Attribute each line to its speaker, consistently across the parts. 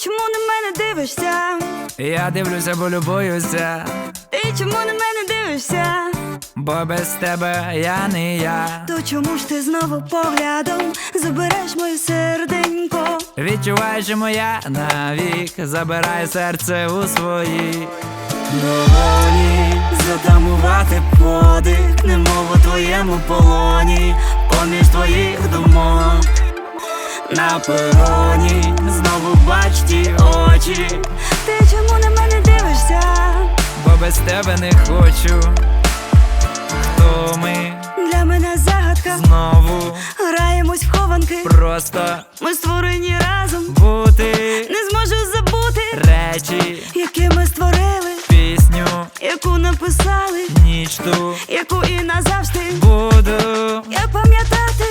Speaker 1: чому на мене дивишся?
Speaker 2: Я дивлюся, бо любуюся.
Speaker 1: Ти чому на мене дивишся?
Speaker 2: Бо без тебе я не я.
Speaker 1: То чому ж ти знову поглядом забереш моє серденько?
Speaker 2: Відчуваю, що моя навік забирає серце у свої долоні.
Speaker 1: Затамувати подих, немов у твоєму полоні, поміж твоїх думок. На пероні знову бач ті очі. Ти чому на мене дивишся?
Speaker 2: Бо без тебе не хочу. Хто ми?
Speaker 1: Для мене загадка.
Speaker 2: Знову
Speaker 1: Граємось в хованки.
Speaker 2: просто
Speaker 1: Ми створені разом.
Speaker 2: бути.
Speaker 1: Не зможу забути
Speaker 2: Речі,
Speaker 1: які ми створили,
Speaker 2: пісню,
Speaker 1: яку написали,
Speaker 2: ніч ту
Speaker 1: яку і назавжди
Speaker 2: буду.
Speaker 1: я пам'ятати.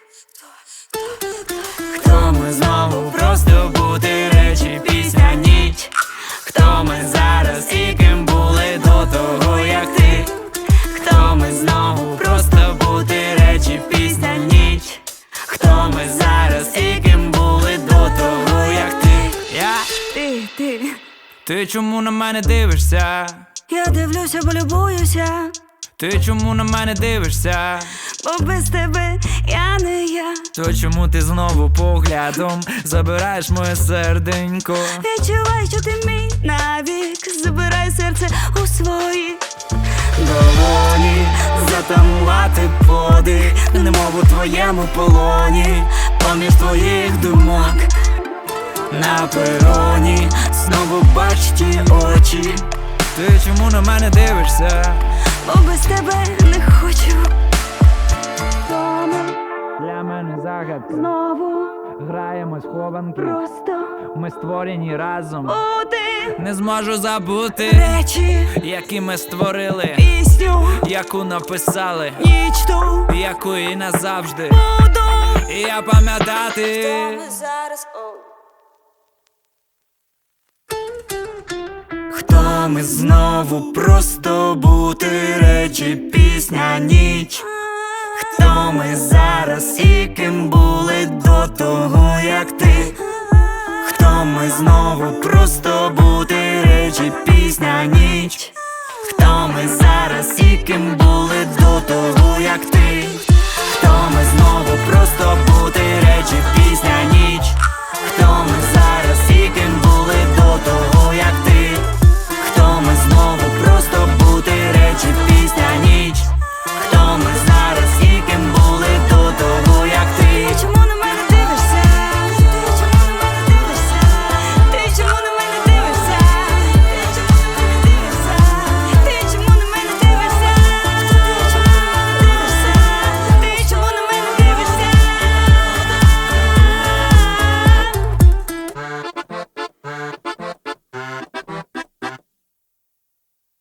Speaker 1: Хто ми знову просто бути, речі, пісня, ніч. Хто ми зараз і ким були до того, як ти? Хто ми знову просто бути, речі, пісня, ніч. Хто ми зараз і ким були до того, як ти?
Speaker 2: Я?
Speaker 1: Ти.
Speaker 2: Ти чому на мене дивишся?
Speaker 1: Я дивлюся, бо любуюся.
Speaker 2: Ти чому на мене дивишся?
Speaker 1: Бо без тебе я не я.
Speaker 2: То чому ти знову поглядом забираєш моє серденько?
Speaker 1: Відчувай, що ти мій навік. Забирай серце у свої долоні. Затамувати подих, немов у твоєму полоні, поміж твоїх думок. На пероні знову бач ті очі.
Speaker 2: Ти чому на мене дивишся?
Speaker 1: Бо без тебе не хочу. Дома
Speaker 2: Для мене загадка.
Speaker 1: знову
Speaker 2: Граємось в хованки.
Speaker 1: просто
Speaker 2: Ми створені разом.
Speaker 1: бути.
Speaker 2: Не зможу забути
Speaker 1: Речі,
Speaker 2: які ми створили,
Speaker 1: пісню,
Speaker 2: яку написали,
Speaker 1: ніч ту
Speaker 2: яку і назавжди
Speaker 1: буду.
Speaker 2: і я пам'ятати.
Speaker 1: Зараз, хто ми знову просто бути, речі, пісня, ніч. Хто ми зараз і ким були до того, як ти? Хто ми знову просто бути, речі, пісня, ніч. Хто ми зараз і ким